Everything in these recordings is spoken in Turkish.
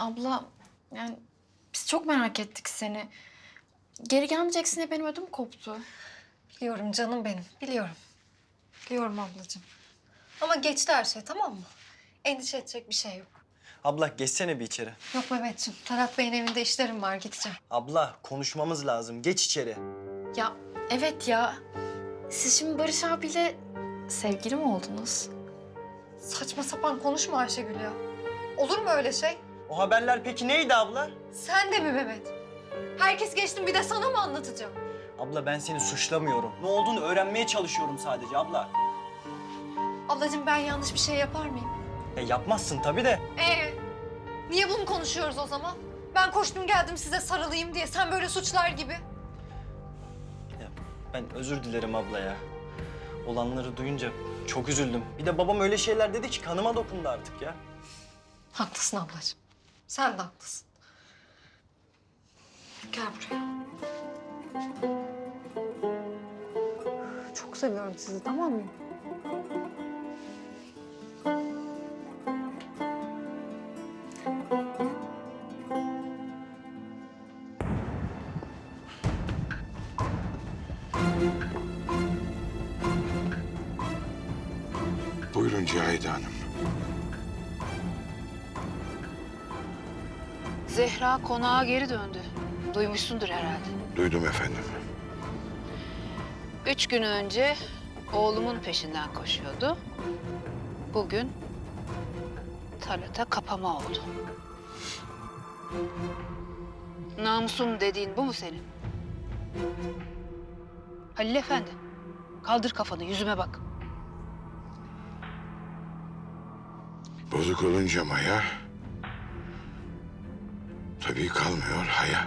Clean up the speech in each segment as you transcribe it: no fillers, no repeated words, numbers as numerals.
Abla, yani biz çok merak ettik seni. Geri gelmeyeceksin diye benim ödüm koptu. Biliyorum canım benim, biliyorum. Biliyorum ablacığım. Ama geçti her şey, tamam mı? Endişe edecek bir şey yok. Abla geçsene bir içeri. Yok Mehmetciğim, Talat Bey'in evinde işlerim var, gideceğim. Abla konuşmamız lazım. Geç içeri. Ya evet ya. Siz şimdi Barış abiyle sevgili mi oldunuz? Saçma sapan konuşma Ayşegül ya. Olur mu öyle şey? O haberler peki neydi abla? Sen de mi Mehmet? Herkes geçtim, bir de sana mı anlatacağım? Abla ben seni suçlamıyorum. Ne olduğunu öğrenmeye çalışıyorum sadece abla. Ablacığım ben yanlış bir şey yapar mıyım? Ya yapmazsın tabii de. Niye bunu konuşuyoruz o zaman? Ben koştum geldim size sarılayım diye, sen böyle suçlar gibi. Ya ben özür dilerim abla ya. Olanları duyunca çok üzüldüm. Bir de babam öyle şeyler dedi ki kanıma dokundu artık ya. Haklısın ablacığım. Sen de haklısın. Gel buraya. Çok seviyorum sizi, tamam mı? Buyurun Cahide Hanım. Zehra konağa geri döndü. Duymuşsundur herhalde. Duydum efendim. 3 gün önce oğlumun peşinden koşuyordu. Bugün Talat'a kapama oldu. Namusum dediğin bu mu senin? Halil Efendi, kaldır kafanı, yüzüme bak. Bozuk olunca Maya... tabii kalmıyor haya.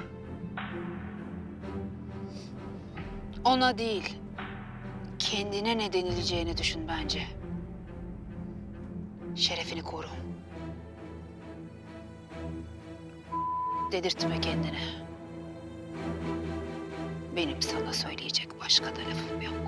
Ona değil, kendine ne denileceğini düşün bence. Şerefini koru. Dedirtme kendini. Benim sana söyleyecek başka da lafım yok.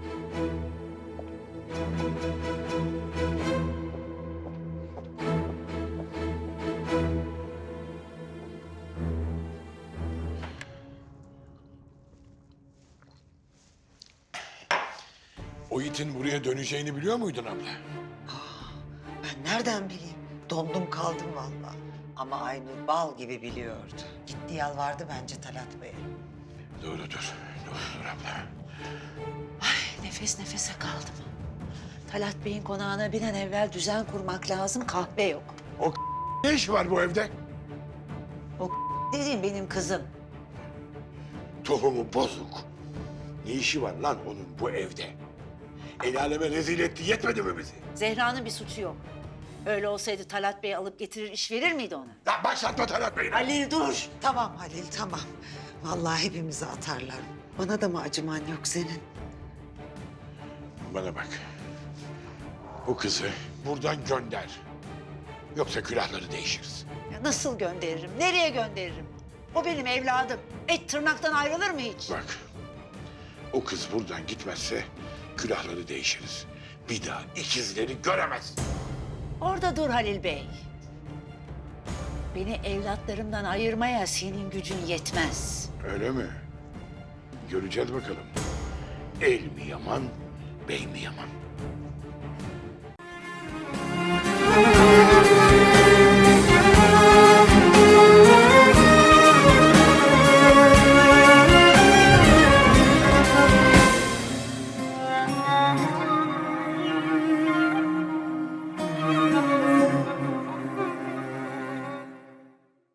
O itin buraya döneceğini biliyor muydun abla? Ben nereden bileyim? Dondum kaldım vallahi. Ama Aynur bal gibi biliyordu. Gitti yalvardı bence Talat Bey'e. Doğrudur. Doğrudur abla. Ay nefes nefese kaldım. Talat Bey'in konağına bir an evvel düzen kurmak lazım. Kahve yok. Ne işi var bu evde? O dediğim benim kızım. Tohumu bozuk. Ne işi var lan onun bu evde? El aleme rezil etti, yetmedi mi bizi? Zehra'nın bir suçu yok. Öyle olsaydı Talat Bey alıp getirir iş verir miydi ona? Lan başlatma Talat Bey'le. Halil dur. Tamam Halil tamam. Vallahi hepimizi atarlar. Bana da mı acıman yok senin? Bana bak. Bu kızı buradan gönder. Yoksa külahları değişiriz. Ya nasıl gönderirim? Nereye gönderirim? O benim evladım. Et tırnaktan ayrılır mı hiç? Bak. O kız buradan gitmezse külahları değişiriz. Bir daha ikizleri göremez. Orada dur Halil Bey. Beni evlatlarımdan ayırmaya senin gücün yetmez. Öyle mi? Göreceğiz bakalım. El mi yaman, bey mi yaman?